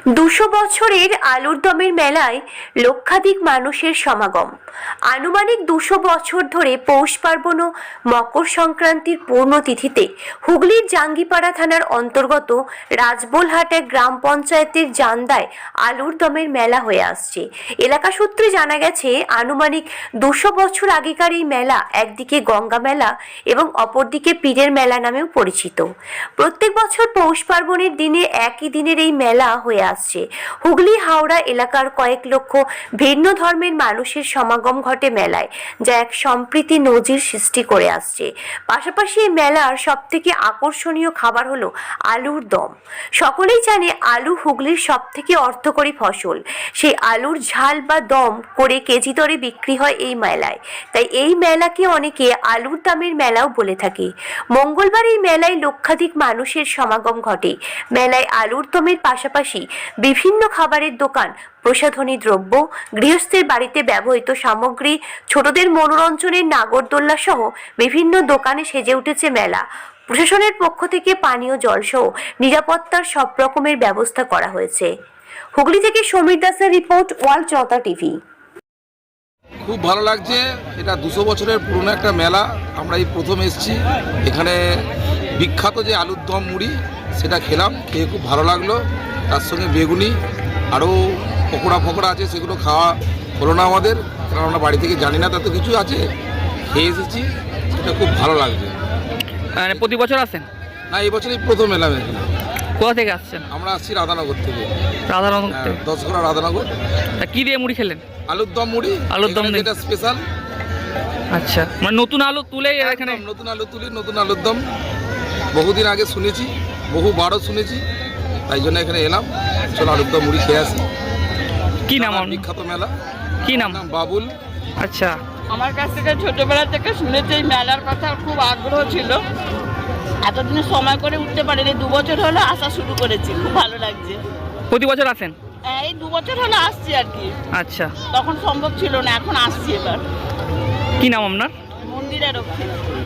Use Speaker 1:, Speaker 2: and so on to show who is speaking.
Speaker 1: 200 বছরের আলুর দমের মেলায় লক্ষাধিক মানুষের সমাগম। আনুমানিক 200 বছর ধরে পৌষ পার্বণ ও মকর সংক্রান্তির পূর্ণতিথিতে হুগলির জাঙ্গিপাড়া থানার অন্তর্গত রাজবোলহাট এক গ্রাম পঞ্চায়েতের জান্দায় আলুর দমের মেলা হয়ে আসছে। এলাকা সূত্রে জানা গেছে, আনুমানিক 200 বছর আগেকার এই মেলা একদিকে গঙ্গা মেলা এবং অপরদিকে পীরের মেলা নামেও পরিচিত। প্রত্যেক বছর পৌষ পার্বণের দিনে একই দিনের এই মেলা হয়ে আসছে। হুগলি হাওড়া এলাকার কয়েক লক্ষ ভিন্ন ধর্মের মানুষের সমাগম ঘটে মেলায়, যা এক সম্প্রীতি নজির সৃষ্টি করে আসছে। পাশাপাশি এই মেলার সবথেকে আকর্ষণীয় খাবার হলো আলুর দম। সকলেই জানে আলু হুগলির সবথেকে অর্থকরী ফসল। সেই আলুর ঝাল বা দম করে কেজি দরে বিক্রি হয় এই মেলায়। তাই এই মেলাকে অনেকে আলুর দমের মেলাও বলে থাকে। মঙ্গলবার এই মেলায় লক্ষাধিক মানুষের সমাগম ঘটে। মেলায় আলুর দমের পাশাপাশি বিভিন্ন খাবারের দোকান, প্রসাধনী দ্রব্য, গৃহস্থের বাড়িতে ব্যবহৃত সামগ্রী, ছোটদের মনোরঞ্জনের নাগরদোল্লা সহ বিভিন্ন দোকানে সেজে উঠেছে মেলা। প্রশাসনের পক্ষ থেকে পানীয় জল সহ নিরাপত্তার সব রকমের ব্যবস্থা করা হয়েছে। হুগলি থেকে সমীর দাসের রিপোর্ট, ওয়ার্ল্ড জনতা টিভি।
Speaker 2: খুব ভালো লাগছে। এটা 200 বছরের পুরনো একটা মেলা। আমরা এই প্রথম এসেছি। এখানে বিখ্যাত যে আলুর দম মুড়ি সেটা খেলাম, খেয়ে খুব ভালো লাগলো। তার সঙ্গে বেগুনি আরও পকোড়া আছে, সেগুলো খাওয়া হলো না আমাদের, কারণ আমরা বাড়ি থেকে জানি না তাতে কিছু আছে। খেয়ে এসেছি, সেটা খুব ভালো লাগছে।
Speaker 3: মানে প্রতি বছর আসেন?
Speaker 2: না, এই বছরই প্রথম এলাম এখানে।
Speaker 3: কোথা থেকে আসছেন?
Speaker 2: আমরা আসছি রাধানগর থেকে।
Speaker 3: রাধানগর থেকে?
Speaker 2: 10 রাধানগর।
Speaker 3: কি দিয়ে মুড়ি খেলেন?
Speaker 2: আলুর দম মুড়ি।
Speaker 3: আলুর দম
Speaker 2: এটা স্পেশাল।
Speaker 3: আচ্ছা, মানে নতুন আলু তুলে এখানে?
Speaker 2: নতুন আলু তুলি, নতুন আলুর দম। বহুদিন আগে শুনেছি, বহুবারও শুনেছি, তাই জন্য এখানে এলাম। চলো আলুর দম মুড়ি খেয়ে আসি।
Speaker 3: কি নাম?
Speaker 2: বিখ্যাত মেলা।
Speaker 3: কি নাম?
Speaker 2: বাবুল।
Speaker 3: আচ্ছা,
Speaker 4: আমার কাছ থেকে ছোটবেলা থেকে শুনেছি এই মেলার কথা, খুব আগ্রহ ছিল। এতদিনে সময় করে উঠতে পারিনি, 2 বছর হলো আসা শুরু করেছি। খুব ভালো লাগছে।
Speaker 3: প্রতি বছর আসেন?
Speaker 4: এই 2 বছর হলো আসছি আর কি।
Speaker 3: আচ্ছা,
Speaker 4: তখন সম্ভব ছিল না, এখন আসছি। এবার
Speaker 3: কি নাম আপনার?
Speaker 4: মন্দিরের রক্ষী।